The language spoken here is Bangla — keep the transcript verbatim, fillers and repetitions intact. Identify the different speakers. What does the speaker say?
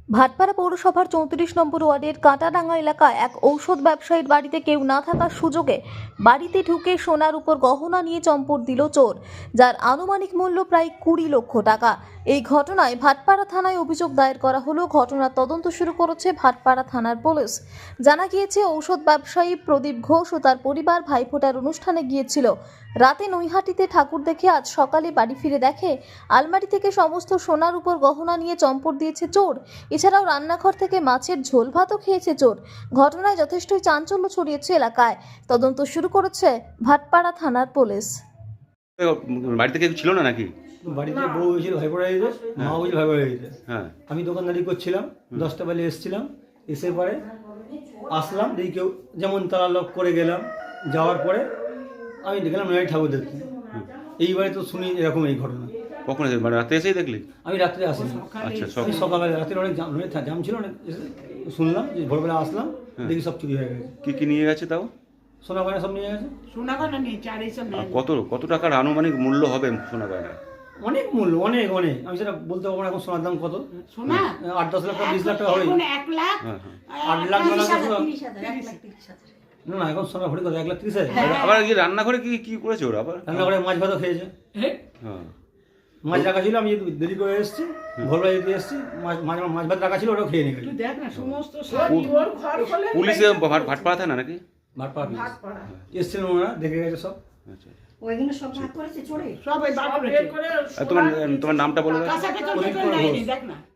Speaker 1: ভাটপাড়া পৌরসভার চৌত্রিশ নম্বর ওয়ার্ডের কাঁটাডাঙ্গা এলাকায় এক ঔষধ ব্যবসায়ীর বাড়িতে কেউ না থাকার সুযোগে বাড়িতে ঢুকে সোনার উপর গহনা নিয়ে চম্পট দিল চোর, যার আনুমানিক মূল্য প্রায় কুড়ি লক্ষ টাকা। এই ঘটনায় ভাটপাড়া থানায় অভিযোগ দায়ের করা হলো। ঘটনার তদন্ত শুরু করেছে ভাটপাড়া থানার পুলিশ। জানা গিয়েছে, ঔষধ ব্যবসায়ী প্রদীপ ঘোষ ও তার পরিবার ভাইফোঁটার অনুষ্ঠানে গিয়েছিল। রাতে নৈহাটিতে ঠাকুর দেখে আজ সকালে বাড়ি ফিরে দেখে আলমারি থেকে সমস্ত সোনার উপর গহনা নিয়ে চম্পট দিয়েছে চোর। এছাড়াও রান্নাঘর থেকে মাছের ঝোল ভাতও খেয়েছে চোর। ঘটনায় যথেষ্টই চাঞ্চল্য ছড়িয়েছে এলাকায়। তদন্ত শুরু করেছে ভাটপাড়া থানার পুলিশ।
Speaker 2: বাড়িতে কেউ ছিল না নাকি?
Speaker 3: বাড়িতে বউ হয়েছিল, ভাই পড়া হয়েছে, মা হয়েছিল, ভাই পড়া হয়েছে।
Speaker 2: হ্যাঁ,
Speaker 3: আমি দোকানদারি করছিলাম, দশটা বেলে এসেছিলাম। এসে পরে আসলাম, দেখি কেউ যেমন তালা লক করে গেলাম। যাওয়ার পরে আমি দেখলাম নয় ঠাকুর দেখতে। এইবারে তো শুনি এরকম এই ঘটনা।
Speaker 2: কখন এসে মানে রাতে এসেই দেখলি?
Speaker 3: আমি রাত্রে আসিনি,
Speaker 2: আচ্ছা,
Speaker 3: আমি
Speaker 2: সব
Speaker 3: সকালবেলা, রাত্রে অনেক জাম জাম ছিল অনেক। এসে শুনলাম যে ভোরবেলা আসলাম, দেখি সব চুরি হয়ে গেছে।
Speaker 2: কি কি নিয়ে গেছে তাও?
Speaker 3: সোনা গয়না সব নিয়ে গেছে।
Speaker 4: সোনা গয়না নিয়ে চার এইসব
Speaker 2: আর
Speaker 4: নেয়।
Speaker 2: কত কত টাকার আনুমানিক মূল্য হবে সোনা গয়না?
Speaker 3: অনেক মূল্য, অনেক অনেক। আমি সেটা বলতে পারবো না এখন সোনার দাম কত।
Speaker 4: সোনা
Speaker 3: আট দশ লাখ টাকা, বিশ লাখ টাকা হবে।
Speaker 4: এখন এক লাখ
Speaker 2: হ্যাঁ, হ্যাঁ।
Speaker 3: আট লাখ
Speaker 4: তিরিশ
Speaker 3: টাকা
Speaker 4: হাজার,
Speaker 3: তো-
Speaker 4: তিরিশ হাজার, এক লাখ তিরিশ হাজার।
Speaker 3: না না, এখন সোনা ভরি কত, এক লাখ ত্রিশ হাজার।
Speaker 2: আবার কি রান্নাঘরে কি কি করেছে ওরা আবার?
Speaker 3: রান্নাঘরে মাছ ভাতও খেয়েছে।
Speaker 4: হ্যাঁ?
Speaker 2: হ্যাঁ,
Speaker 3: মাছ রাখা ছিল, আমি দেরি করে এসেছি, ভোরবেলা যেতে এসেছি, মাছ মাছ মাছ ভাত রাখা ছিল, ওটাও খেয়ে নিয়ে গেছে।
Speaker 4: তুই দেখ না, সমস্ত সব তোর ঘর খোলে
Speaker 2: পুলিশে ভাট ভাটপাড়া থানা নাকি?
Speaker 3: ভাটপাড়া
Speaker 4: ভাত পড়া।
Speaker 3: এসেছিলেন ওনারা, দেখে গেছে সব।
Speaker 2: আচ্ছা,
Speaker 5: ওইগুলো সব ভাগ করেছে চোরে।
Speaker 4: সব এই বাপ বের করে
Speaker 2: আর তোমার তোমার নামটা বলে দাও।
Speaker 4: কাঁচাকে তো
Speaker 3: প্রদীপ
Speaker 4: দেখে
Speaker 3: ঘোষ।
Speaker 4: নেয়নি, দেখ না।